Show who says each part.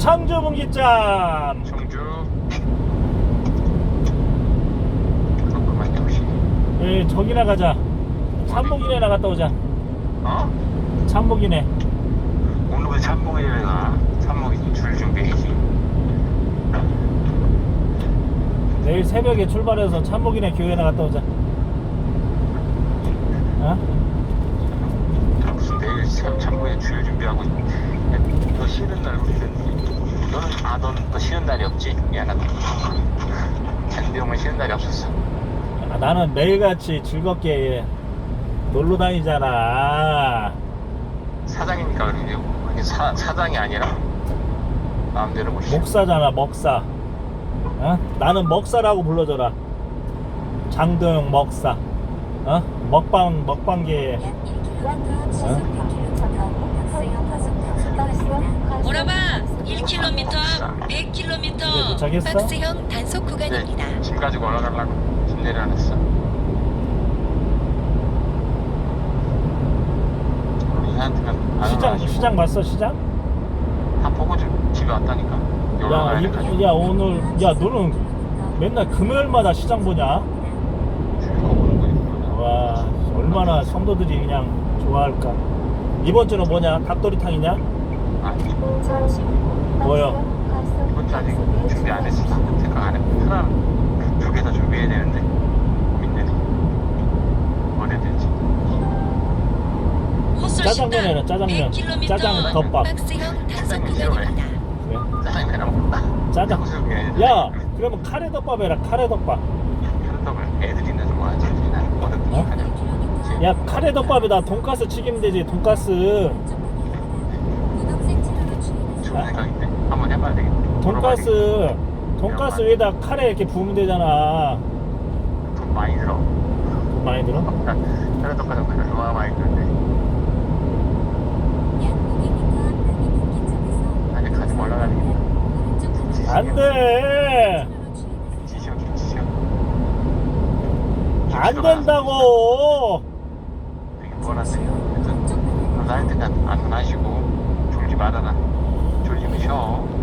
Speaker 1: 청주 분기점.
Speaker 2: 청주. 그렇구만 역시.
Speaker 1: 예, 저기나 가자. 참복이네나 갔다 오자.
Speaker 2: 어?
Speaker 1: 참복이네.
Speaker 2: 오늘 왜 참목이래 가? 참목이 줄 준비해야지.
Speaker 1: 내일 새벽에 출발해서 참복이네 교회나 갔다 오자. 어?
Speaker 2: 무슨 내일 참목에 줄 준비하고 너 쉬는 날 우리는 너는 또 쉬는 날이 없지? 미안하다. 캔디 형은 쉬는 날이 없었어.
Speaker 1: 아, 나는 매일같이 즐겁게 놀러 다니잖아.
Speaker 2: 사장이니까 그러지. 그게 사장이 아니라 마음대로 못 쉬어.
Speaker 1: 목사잖아, 먹사. 어? 나는 먹사라고 불러줘라. 장도영 먹사. 어? 먹방계.
Speaker 3: 오라바 1km 앞
Speaker 1: 이제
Speaker 3: 100km
Speaker 1: 도착했어?
Speaker 3: 박스형 단속 구간입니다.
Speaker 2: 네, 짐 가지고 올라가려고 짐 내려놨어. 우리 한테는
Speaker 1: 시장 봤어, 시장?
Speaker 2: 다 보고 좀 집에 왔다니까.
Speaker 1: 야, 오늘, 야, 너는 맨날 금요일마다 시장 보냐? 와, 얼마나 성도들이 그냥 좋아할까. 이번 주는 뭐냐? 닭도리탕이냐?
Speaker 2: 아니
Speaker 1: 뭐요?
Speaker 2: 이번 주 아직 준비 안 했어. 생각 안 해. 하나 두 개 더 준비해야 되는데 고민되네. 뭘 해야 될지.
Speaker 1: 짜장면에는 짜장면.
Speaker 3: 100km
Speaker 1: 짜장 덮밥.
Speaker 3: 박스형 단속 구간입니다.
Speaker 1: 그래.
Speaker 2: 짜장면이랑 먹다.
Speaker 1: 짜장.
Speaker 2: 탕수육에
Speaker 1: 야, 그러면 카레덮밥 해라, 카레덮밥.
Speaker 2: 카레떡을 애들이 있는 좀 좋아하지. 나는 뭐든
Speaker 1: 어?
Speaker 2: 하냐.
Speaker 1: 야, 카레덮밥에다 돈가스 튀기면 되지, 돈가스.
Speaker 2: 좋은 생각인데 한번 해봐야 되겠네.
Speaker 1: 돈가스 위에다 카레 이렇게 부으면 되잖아.
Speaker 2: 돈 많이 들어.
Speaker 1: 돈 많이 들어?
Speaker 2: 카레떡 가서 얼마나 많이 드는데. 아니 가지고 올라가야 되겠다.
Speaker 1: 안 돼!
Speaker 2: 지시오.
Speaker 1: 안 된다고!
Speaker 2: 되게 뻔한데요. 그래서 나한테 안 하시고 졸지 말아라. 졸리면 쉬어.